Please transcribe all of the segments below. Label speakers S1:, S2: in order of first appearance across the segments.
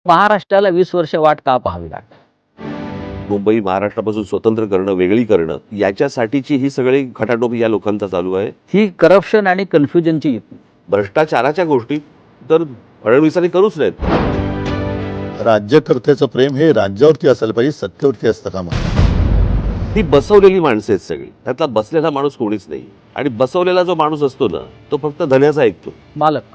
S1: महाराष्ट्राला 20 वर्ष वाट का पाहावी लागली?
S2: मुंबई महाराष्ट्रापासून स्वतंत्र करणं, वेगळी करणं, याच्यासाठीची ही सगळी खटाटोप या लोकांचा चालू आहे.
S1: ही करप्शन आणि कन्फ्युजनची युती.
S2: भ्रष्टाचाराच्या गोष्टी तर फडणवीसांनी करूच नाहीत.
S3: राज्यकर्त्याचं प्रेम हे राज्यावरती असायला पाहिजे, सत्तेवरती असतं कामा नये.
S2: ती बसवलेली माणसं आहेत सगळी. त्यातला बसलेला माणूस कोणीच नाही. आणि बसवलेला जो माणूस असतो ना, तो फक्त धन्याचा ऐकतो.
S1: मालक.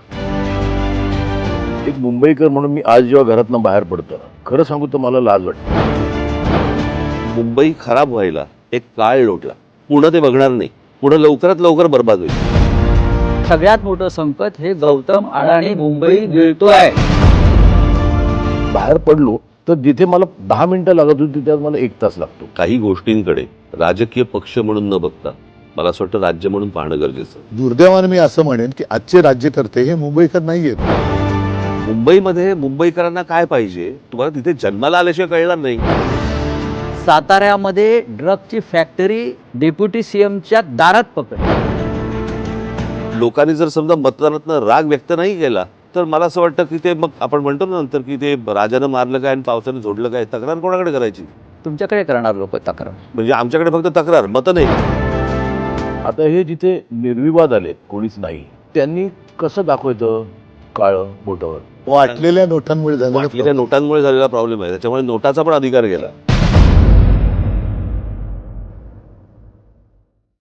S4: एक मुंबईकर म्हणून मी आज जेव्हा घरातनं बाहेर पडतो, खरं सांगू तर मला लाज वाटते.
S2: मुंबई खराब व्हायला एक काळ लोटला. पुढं ते बघणार नाही. पुढं लवकरात लवकर बर्बाद होईल.
S1: सगळ्यात मोठं संकट हे गौतम अडाणी मुंबई गिळतोय.
S4: बाहेर पडलो तर जिथे मला 10 मिनिटं लागत होती त्यात मला 1 तास लागतो.
S2: काही गोष्टींकडे राजकीय पक्ष म्हणून न बघता मला असं वाटतं राज्य म्हणून पाहणं गरजेचं.
S3: दुर्दैवाने मी असं म्हणेन की आजचे राज्यकर्ते हे मुंबईकर नाहीयेत.
S2: मुंबईमध्ये मुंबईकरांना काय पाहिजे तुम्हाला तिथे जन्माला आल्याशिवाय कळणार नाही.
S1: साताऱ्यामध्ये ड्रगची फॅक्टरी डेप्युटी सीएमच्या दारात पकडली.
S2: लोकांनी जर समजा मतदानातनं राग व्यक्त नाही केला तर मला असं वाटतं की ते मग आपण म्हणतो ना नंतर की ते राजानं मारलं काय आणि पावसानं झोडलं काय, तक्रार कोणाकडे करायची?
S1: तुमच्याकडे करणार लोक तक्रार.
S2: म्हणजे आमच्याकडे फक्त तक्रार, मतं नाही.
S4: आता हे जिथे निर्विवाद आले कोणीच नाही, त्यांनी कसं दाखवायचं काळं बोटावर?
S3: वाटलेल्या नोटांमुळे झालेलं
S2: वाटलेल्या नोटांमुळे झालेला प्रॉब्लेम आहे. त्याच्यामुळे नोटाचा पण अधिकार गेला.